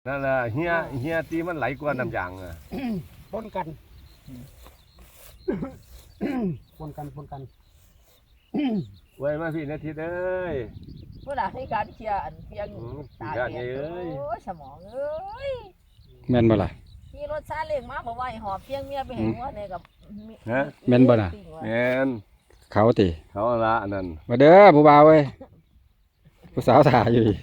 นั่นแหละเฮียตีมันไหลกว่าน้ำยางอ่ะปนกันปนกันไว้มาพี่นาทีเอ้ยเมื่อไหร่ที่การเคลียร์อันเพียงตาการแดเอ้ดยโอ้ยสมองเอ้ยแม่นบ่ล่ะขี่รถซาเล้งมาบอกว่าให้หอบเพียงเมียไปเห็นว่าเนี่ยกับฮะแม่นบ่น่ะแมนเขาติเขาละอันนั้นมาเด้อผู้บ่าวเว้ยผู้สาวถ่ายอยู่ดิ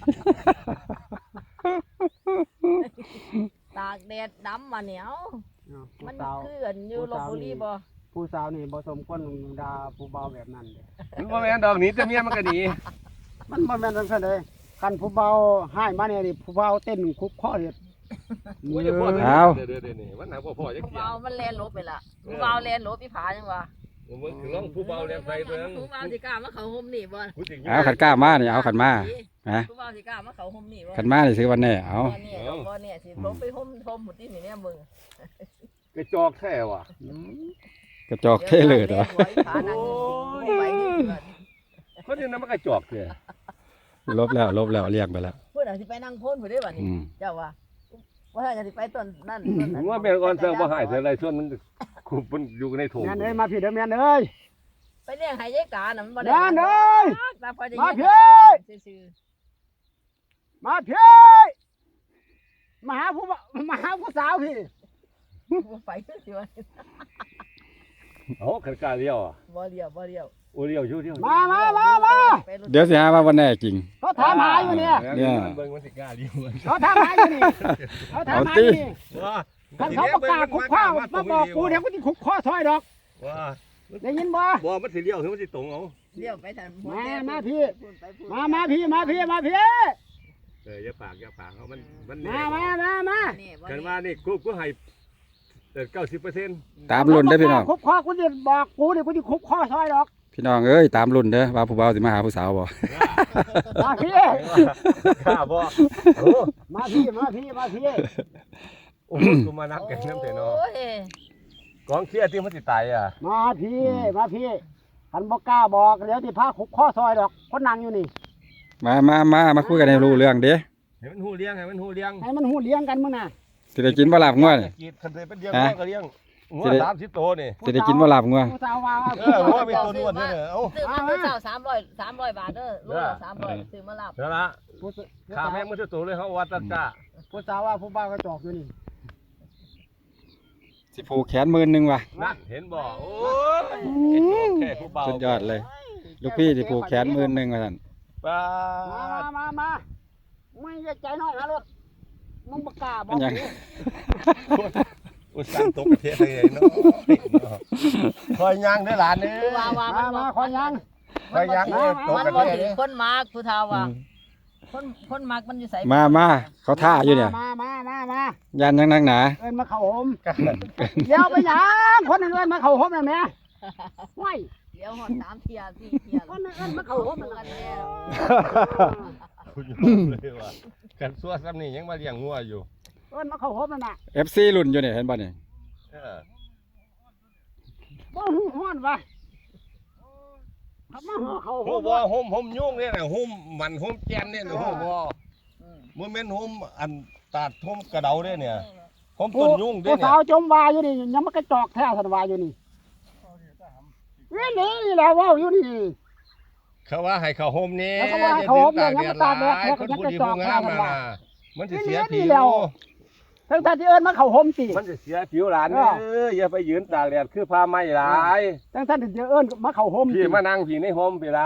ตากแดดดำมาเหนียวผู้มันสาวคืออันอยู่ลพบุรีบ่ผู้สาวนี่บ่สมควรด่าผู้เบาแบบนั้นเด้มันบ่แม่นดอกหนีแต่เมียมันก็หนีมันบ่แม่นจังซั่นเด้คันผู้เบาให้มาเนี่ยนี่ผู้เบาเต้นคุกข้อเฮ็ดโอ้ยพ่อเอาเดี๋ยวนี่มันหาพ่อจักผู้เที่ยเบาว มันแลนลบไปละผู้เบาแลนลบพี่ผาจังวะมันคือร้องผู้เบาเรียนไฟตัวนึงผู้เบาสิกล้ามาเขาห่มนี่บ่ผู้สิงเอาขันกล้ามานี่เอาขันมาฮะผู้เบาสิกล้ามาเขาห่มนี่บ่ขันมานี่ซื้อวันแน่เอาบ่เนี่ยบ่เนี่ยสิลบไปห่มหมดที่นี่เนี่ยมึงกระจอกแท้ว่ะกระจอกเท่เลยเหรอผานั่งไปนี่คนนี้นำมันกระจอกแท้ลบแล้วเรียกไปแล้วเพิ่นอาจสิไปนั่งโพนผู้ได้บัดนี้อืมเจ้าว่าถ้าจะสิไปต้นนั่นต้นนั้นว่าแม่นก่อนเสิร์ฟบ่หายเท่าไรส่วนมันคุบมันอยู่ในถุงแม่นเอ้ยมาพี่เด้อแม่นเอ้ยไปเลี้ยงให้ยายกาน่ะมันบ่ได้นั่นเอ้ยตาพอจะมายิงพี่ซื่อมาพี่มาหาผู้สาวพี่ๆบ่ไปสิว่าเอาขันกล้าเลี้ยวอ่ะบ่เดียวโอ้เลี้ยวอยู่เลี้ยวมาไปรถเดี๋ยวสิหาว่าวันแน่จริงเขาถามหาอยู่เนี่ยเนี่ยเบิ่งมันสิกล้าเลี้ยวเขาถามหาอยู่นี่เขาถามหาอยู่นี่ว่าคันเขาประกาศคุกข้อมาบอกกูเดี๋ยวกูสิคุกข้อซอยดอกว่าได้ยินบ่บ่มันสิเลี้ยวหรือมันสิตรงเอาเลี้ยวไปทางมาพี่ มาพี่อย่าปากเขามันมากันว่านี่กูให้90% ตามรุ่นเด้อพี่น้องคุกข้อกูจะบอกกูเดี๋ยวกูจะคุกข้อซอยดอกพี่น้องเอ้ยตามรุ่นเด้อว่าผู้บ่าวสิมาหาผู้สาวบ่มาพี่ข้าบ่โอ้มาพี่โอ้กูมานับกันน้ำเถอะเนาะโอ้ยกองเชียร์ที่มันสิตายอ่ะมาพี่คันบ่กล้าบอกเดี๋ยวสิพาคุกข้อซอยดอกคนนั่งอยู่นี่มาคุยกันให้รู้เรื่องเด้ให้มันหูเลี้ยงให้มันหูเลี้ยงกันมื้อน่ะสิได้กินบ่ลาบงัวนี่กีดคันเป็นเลี้ยงก็เลี้ยงงัว30ตัวนี่สิได้กินบ่ลาบงัวผู้สาวว่างัวมีตัวนวดด้วยเอ้าซื้อมาเจ้า300บาทเด้อโลละ300ซื้อมาลาบนั่นละข้าแม่งมันตัวเลยเขาวัดตะกะผู้สาวว่าผู้บ่าวก็จอกอยู่นี่สิผูกแขน10,000ว่ะนั่นเห็นบ่โอ้ยแค่ผู้เบาสุดยอดเลย ลูกพี่สิผูกแขน10,000ว่าซั่นป้ามาไม่จะใจน้อยหารถมึงบ่กล้าบอมักนยังอุตส่าห์ตกประเทศเลยเนาะคอยย่างเด้อหลานเด้อมาขอยังคอยย่างเด้อตกมันประบ่เทศถึเด้งอคนมากผู้เฒ่าว่าคนมากมันอยู่ไสมาเขาท่าอยู่เนี่ยมายันยังนักหนาเอิ้นมาเข้าห่มเดี๋ยวไปหยังคนเอิ้นมาเข้าห่มน่ะแม่ห้วยเดี๋ยวฮอด3เที่ย4เที่ยคนเอิ้นมาเข้าห่มมันน่ะกันแล้วคุณยอมเลยว่ากันซัวซ้ำนี่ยังมาเลี้ยงงัวอยู่เอิ้นมาเข้าห่มน่ะ FC รุ่นอยู่เนี่ยเห็นบ่นี่บ่ฮ้อนว่ะทำมาเข้าโหห่มบ่ห่มยุ่งเนี่ยนะห่มมันห่มแกนเนี่ยนะโหบ่มันแม่นห่มอันตาดห่มกระเดาเนี่ยเนี่ยห่มต้นยุ่งเด้ผู้เนี่สาวย จมวาอยู่นี่ยังมันกระจอกแท้สันวาอยู่นี่นี่แหละว่าอยู่นี่เขาว่าให้เขาห่มนี่เขาว่าให้เขาห่มเนี่ยยังตากแดดหลายคนผู้ดีผู้งามมานะมันสิเสียผิวทั้งท่านที่เอิ้นมาเข้าห่มสิมันจะเสียผิวหลานอย่าไปยืนตากแดดคือผ้าไหมหลายทั้งท่านที่เอิ้นมาเข้าห่มพี่มานั่งพี่ในห่มพี่ละ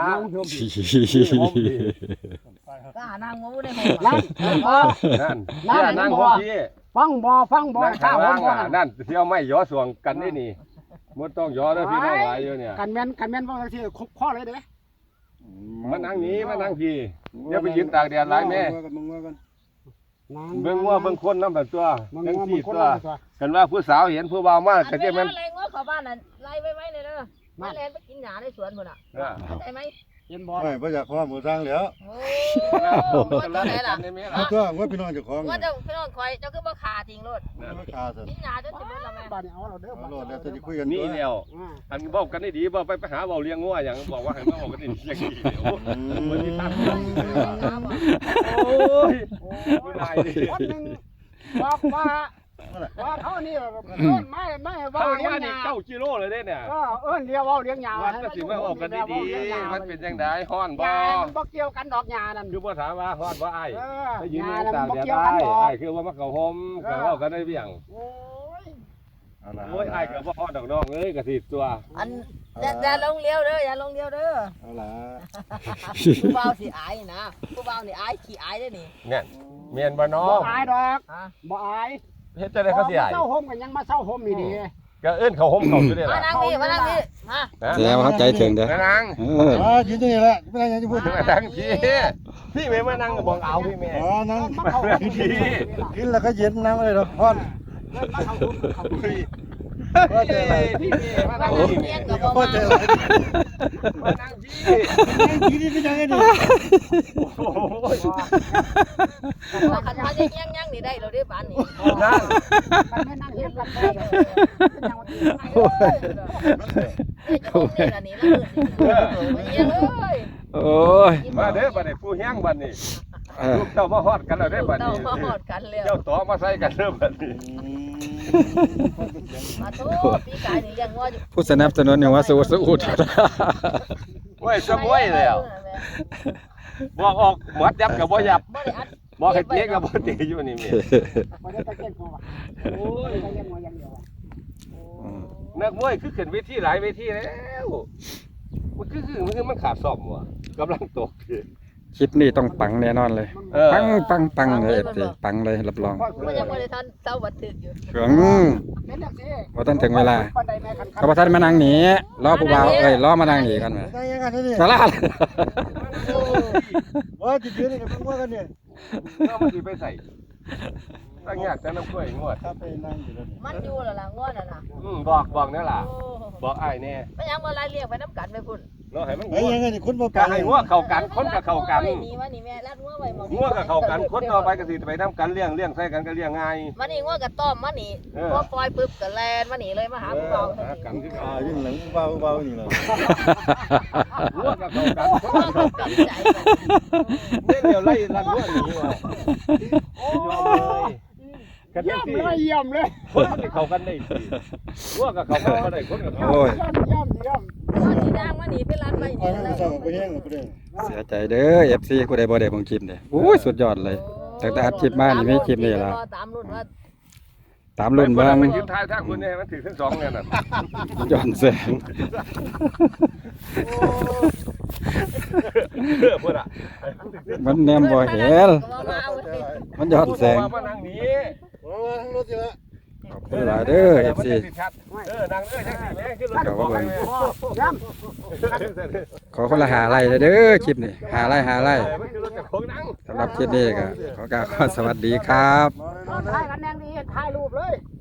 ก็หานางงูได้นั่นนั่นนั่งห่มพี่ฟังบ่นั่งข้าข้างห่ล่าม งบ่นั่นเที่ยวไม่ย้อสวงกันนี่นี่มันต้องย้อแล้วพี่น้องหลายอยู่เนี่ยกันแม่นว่าสิคุกข้อเลยเด้มานั่งนี้มานั่งพี่อย่าไปยืนตากแดดหลายแม่เบิ่งว่าเบิ่งคนน้ำแบบตัวจังซี่ตัวกันว่าผู้สาวเห็นผู้บ่าวมากก็จะมันไล่งูเข้าบ้านน่ะไล่ไว้เลยเด้อมาแลนไปกินหญ้าในสวนพุ่นน่ะเข้าใจมั้ยเห็นบ่ไม่บ่อยากความหมูสร้างแล้วโอ้โหตัวไหนล่ะเอาตัวว่าพี่น้องเจ้าของว่าเจ้าพี่น้องคอยเจ้าคือบ่ขาทิ้งรถราคาสินี่หนาจนสิเบิดละแม่บ้านนี้เอาเราเด้อเอาโลดแล้วจะคุยกันนี่แล้วอันบอกกันได้ดีบอกไปหาเบาเลี้ยงงัวอย่างบอกว่าให้มาบอกกันได้ดีอย่างนี้เดี๋ยวมันมีตังค์โอ้ยไม่ได้ดิคนหนึงบอกว่าเขานี่ต้นไม่ทาว่าง เลี้ยงว่าหนี่ญ้า 9 กิโลเลยเนี่ยก็เลี้ยวว่าเลี้ยงหญ้าวัดก็สิมาบอกกันดีๆมันเป็นจังได๋ฮ้อนหบ่ญ้ามันบ่เกี่ยวกันดอกหญ้านั่นคือบ่ถามว่าฮ้อนบ่อ้ายเออไปหยืนญ้าอยู่นั่นตากบ่แดดเกี่ยวได้กันดอกอ้ายคือว่ามาเข้าห่มก็เว้ากันได้เบี่ยงโอ้ยโอ้ยอ้ายก็บ่ฮ้อนดอกน้องเอ้ยก็สิตัวอันอย่าลงเลี้ยวเด้ออย่าลงเลี้ยวเด้อเอาล่ะผู้บ่าวสิอายนะผู้บ่าวนี่อายขี้อายเด้อนี่เนี่ยเมียนบ่น้อบ่งอายดอกฮะบ่อายเฮ็ดจังได๋เขาสิอ้ายเศร้าห่มกันยังมาเศร้าห่มนี่ดีก็เอิ้นเขาห่มเขาอยู่เด้มาล่ะนั่งนี่มานั่งนี่มาแสดงว่าเขาใจถึงเด้อนางยืนตรงนี้แหละไม่ได้ยังจะพูดมานั่งพี่แม่มานั่งก็บอกเอาพี่แม่อ๋อนั่งมาเข้าห่มนี่ดีกินแล้วก็เย็นน้ำอะไรหรอกพ่อนมาเข้าห่มเข้าห่มว่าเจออะไรพี่แม่มานั่งเมียงก็บ่ว่ามาเจออะไรมานั่งพี่กินนี่เป็นยังไงดิโอ้ยว่าคันว่าจะยังนี่ได้เราได้บ้านนี่นั่งมันไม่นั่งเห็นกันได้เลยเป็นยังวันนี้โอ้ยจะคงนี่ล่ะนี่ละมื้อนี่มาเองเอ้ยโอ้ยมาเด้อบัดนี้ผู้แห้งบัดนี้เออลูกเต้ามาฮอดกันแล้วเด้อบัดเต้านี้มาหอดกันแล้วเจ้าต่อมาใส่กันเด้อบัดนี้มาโทษพี่กายนี่ยังว่าอยู่ผู้สนับสนุนอย่างว่าสู้สู้โอ้ยสมวยแล้วบอกออกหมดยับกับบ่ยับบ่ได้อัดบอกให้เจ๊กับบ่เตะอยู่นี่แม่พอได้ตะเกียงหัวโอ้ยตะเกียงหัวอย่างเดียวนักมวยคือขึ้นเวทีหลายเวทีแล้วมันคือมันขาดซ่อมว่ะกำลังตกคือคลิปนี้ต้องปังแน่นอนเลยเออปังเลยเอฟซีปังเลยรับรองมันยังบ่ได้ทันเซาบัดทึกอยู่ถึงเป็นจังซี่ว่าท่านถึงเวลาปันใดแม่คันเขาประทันมานั่งหนีรอผู้บ่าวเอ้ยรอมานั่งหนีกันมาได้ยังไงนี่สาระว่าจิตเย็นนี่เป็นว่ากันเนี่ยเมื่อมันสิไปใส่ตั้งยากแต่น้ำกล้วยงวดถ้าไปนั่งอยู่แล้วมันอยู่แล้วล่ะง้อน่ะนะบอกนี่ล่ะโอ้บอกอ้ายแน่มันยังบ่ไล่เรียกไปน้ำกันไปพุ่นเนาะให้มันเฮ้ยยังไงนี่คุณบ่ก็ให้งัวเข้ากันคนก็เข้ากันนี่ว่านี่แม่รัดงัวไว้หมองงัวก็เข้ากันคนต่อไปก็สิไปนํกันเลี้ยงใส่กันก็เลี้ยงง่ายมันนี่งัวก็ต้อมมันนี่พอปล่อยปึ๊บก็แล่นมานี่เลยมาหาผู้เฒ่าหากันคืออ่าเก่ายิ่งหลังเบาๆนี่แหละงัวก็เข้ากันคนงัวก็ก็เข้ากันใจเนี่ยเดี๋ยวไล่ลันงัวหนีว่ะยอมเลยกันจัเยี่ยงมซี่เลยเยี่ยมเลยคนมันสิเข้ากันได้สิงัวก็เข้ากันบ่ได้คนก็เข้าโอ้ยเยี่ยมมันนี่นางมานี่ไปรัดไปเอานี่ให้แล้วมันสั่งไปแห้งไปเลยเสียใจเด้อเอฟซีผู้ใดบ่ได้เบิ่งคลิปเนี่ยโอ้ยสุดยอดเลยตั้งแต่อัดคลิปมานี่มีคลิปนี่ล่ะตามรุ่นว่าตามรุ่นเบิ่งมันยืนทายถ้าคุณเนี่ยมันถือทั้งสองเนี่ยน่ะย้อนแสงพุ่นอ่ะมันแนมบ่เห็นก็มาเอาเว้ยมันย้อนแสงมานั่งนี้โอ้ยทั้งรถอยู่แล้วขอบคุณหลายเด้อเอฟซีนั่งจังสิแม่ขึ้นรถเยี่ยมขอคนละหาไร่เลยเด้อคลิปนี้หาไร่มันคือรถจากโค้งนั่งสำหรับคลิปนี้ก็ขอกล่าวสวัสดีครับถ่ายกันแนงดีถ่ายรูปเลยเ